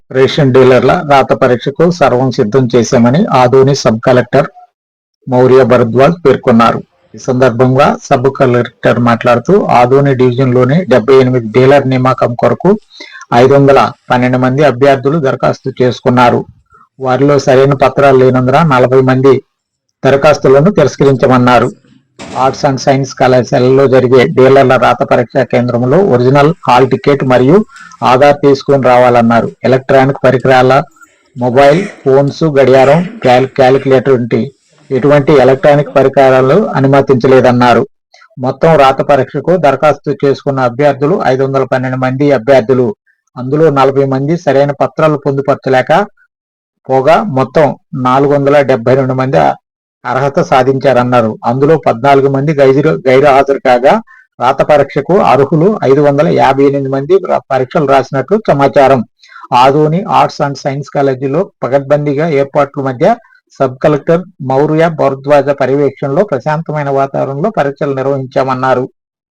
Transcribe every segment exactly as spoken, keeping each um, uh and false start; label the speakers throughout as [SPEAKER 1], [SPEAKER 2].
[SPEAKER 1] Ration డీలర్ల రాత పరీక్షకు సర్వం సిద్ధం చేశామని ఆదోని సబ్ కలెక్టర్ మౌర్య భరద్వాజ్ పేర్కొన్నారు. ఈ సందర్భంగా సబ్ కలెక్టర్ మాట్లాడుతూ ఆదోని డివిజన్లోని డెబ్బై ఎనిమిది డీలర్ నియామకం కొరకు ఐదు వందల పన్నెండు మంది అభ్యర్థులు దరఖాస్తు చేసుకున్నారు. వారిలో సరైన పత్రాలు లేనందున నలభై మంది దరఖాస్తులను తిరస్కరించమన్నారు. ఆర్ట్స్ అండ్ సైన్స్ కళాశాలలో జరిగే డీలర్ల రాత పరీక్ష కేంద్రంలో ఒరిజినల్ హాల్ టికెట్ మరియు ఆధార్ తీసుకుని రావాలన్నారు. ఎలక్ట్రానిక్ పరికరాల, మొబైల్ ఫోన్స్, గడియారం, క్యాలిక్యులేటర్ వంటి ఎటువంటి ఎలక్ట్రానిక్ పరికరాలు అనుమతించలేదన్నారు. మొత్తం రాత పరీక్షకు దరఖాస్తు చేసుకున్న అభ్యర్థులు ఐదు వందల పన్నెండు మంది అభ్యర్థులు. అందులో నలభై మంది సరైన పత్రాలు పొందుపరచలేక పోగా మొత్తం నాలుగు వందల డెబ్బై రెండు మంది అర్హత సాధించారన్నారు. అందులో పద్నాలుగు మంది గైరు గైరు హాజరు కాగా రాత పరీక్షకు అర్హులు ఐదు వందల యాభై ఎనిమిది మంది పరీక్షలు రాసినట్లు సమాచారం. ఆదోని ఆర్ట్స్ అండ్ సైన్స్ కాలేజీలో పకడ్బందీగా ఏర్పాట్ల మధ్య సబ్ కలెక్టర్ మౌర్య భరద్వాజ పర్యవేక్షణలో ప్రశాంతమైన వాతావరణంలో పరీక్షలు నిర్వహించామన్నారు.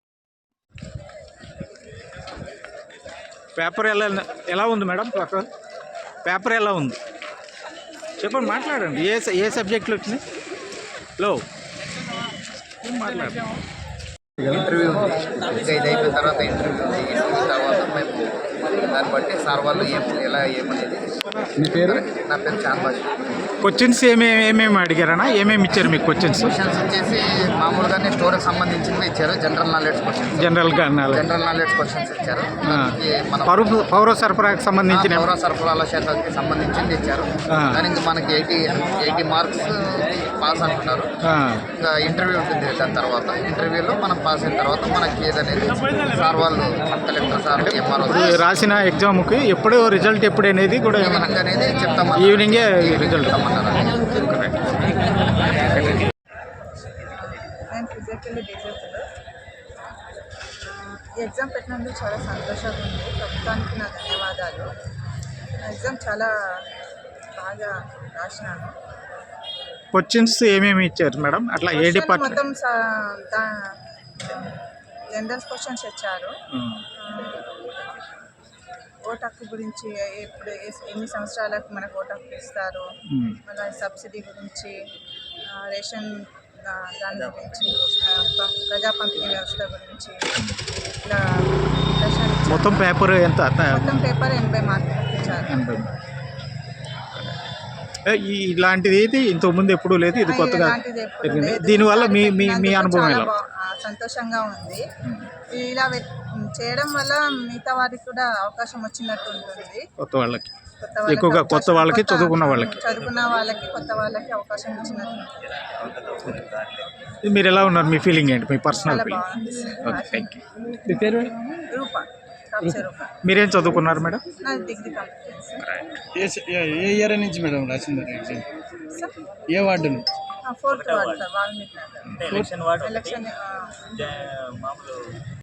[SPEAKER 2] పేపర్ ఎలా ఎలా ఉంది మేడం? పేపర్ పేపర్ ఎలా ఉంది చెప్పండి, మాట్లాడండి. ఏ ఏ సబ్జెక్టులు వచ్చినాయి? లో మాట్లాడండి.
[SPEAKER 3] ఇంటర్వ్యూ ఉంది, ఇంకా ఇది అయిపోయిన తర్వాత ఇంటర్వ్యూ ఉంది. ఇంటర్వ్యూ తర్వాత మేము దాన్ని బట్టి సార్ వాళ్ళు ఏం ఎలా ఏమనేది.
[SPEAKER 2] మీ పేరు?
[SPEAKER 3] నా పేరు చాన్ బాష్.
[SPEAKER 2] క్వశ్చన్స్ ఏమేమి ఏమేమి అడిగారన్నా? ఏమేమి ఇచ్చారు మీకు క్వశ్చన్స్?
[SPEAKER 3] క్వశ్చన్స్ వచ్చేసి మామూలుగానే స్టోరీకి సంబంధించినవి ఇచ్చారు. జనరల్ నాలెడ్జ్ క్వశ్చన్స్
[SPEAKER 2] జనరల్గా
[SPEAKER 3] జనరల్ నాలెడ్జ్ క్వశ్చన్స్ ఇచ్చారు. మన
[SPEAKER 2] పౌర పౌర సరఫరాకు సంబంధించిన
[SPEAKER 3] పౌర సరఫరాల శాఖకి సంబంధించింది ఇచ్చారు. దానికి మనకి ఎయిటీ ఎయిటీ మార్క్స్ పాస్ అంటున్నారు. ఇంకా ఇంటర్వ్యూ ఉంటుంది. దాని తర్వాత ఇంటర్వ్యూలో మనం పాస్ అయిన తర్వాత మనకి ఏదనేది సార్ వాళ్ళు కలెక్టర్ సార్ ఎంఆర్ఓ
[SPEAKER 2] రాసిన ఎగ్జామ్కి ఎప్పుడు రిజల్ట్ ఎప్పుడు అనేది కూడా
[SPEAKER 3] ఈవినింగ్ అనేది చెప్తాం.
[SPEAKER 2] ఈవినింగే రిజల్ట్
[SPEAKER 4] నేను ఫిజికల్లీ డిజేబుల్డ్. ఈ ఎగ్జామ్ పెట్టినందుకు చాలా సంతోషంగా ఉంది. ప్రభుత్వానికి నా ధన్యవాదాలు. ఎగ్జామ్ చాలా బాగా రాసినాను.
[SPEAKER 2] క్వశ్చన్స్ ఏమేమి ఇచ్చారు మేడం? అట్లా ఏ డిపార్ట్మెంట్?
[SPEAKER 4] మొత్తం జనరల్ క్వశ్చన్స్ ఇచ్చారు. ఓటు హక్కు గురించి, ఎప్పుడు ఎన్ని సంవత్సరాలకు మనకు ఓటు హక్కు ఇస్తారు, మళ్ళీ సబ్సిడీ గురించి, రేషన్ దాని గురించి, ప్రజా పంపిణీ వ్యవస్థ గురించి ఇట్లా
[SPEAKER 2] మొత్తం పేపర్ ఎంత?
[SPEAKER 4] మొత్తం పేపర్ ఎనభై మార్కులు ఇచ్చారు.
[SPEAKER 2] ఇలాంటిది ఏది ఇంతకుముందు ఎప్పుడూ లేదు, ఇది కొత్తగా దీనివల్ల మీ మీ మీ అనుభవం ఎలా?
[SPEAKER 4] సంతోషంగా ఉంది. ఇలా చేయడం వల్ల మిగతా వారికి కూడా అవకాశం వచ్చినట్టు ఉంటుంది.
[SPEAKER 2] కొత్త వాళ్ళకి, ఎక్కువగా కొత్త వాళ్ళకి, చదువుకున్న వాళ్ళకి
[SPEAKER 4] చదువుకున్న వాళ్ళకి కొత్త వాళ్ళకి అవకాశం ఇచ్చినట్టు ఉంటుంది.
[SPEAKER 2] మీరు ఎలా ఉన్నారు? మీ ఫీలింగ్ ఏంటి? మీ personal feeling? Okay, thank you. మీ పేరు?
[SPEAKER 4] రూపా.
[SPEAKER 2] మీరేం చదువుకున్నారు మేడం?
[SPEAKER 4] Degree complete.
[SPEAKER 5] ఏ ఇయర్ నుంచి మేడం రాసింది ఎగ్జామ్? ఏ వార్డు నుంచి?
[SPEAKER 4] Fourth ward sir, Valmiki Nagar.
[SPEAKER 5] Election ward
[SPEAKER 4] election
[SPEAKER 5] మామూలు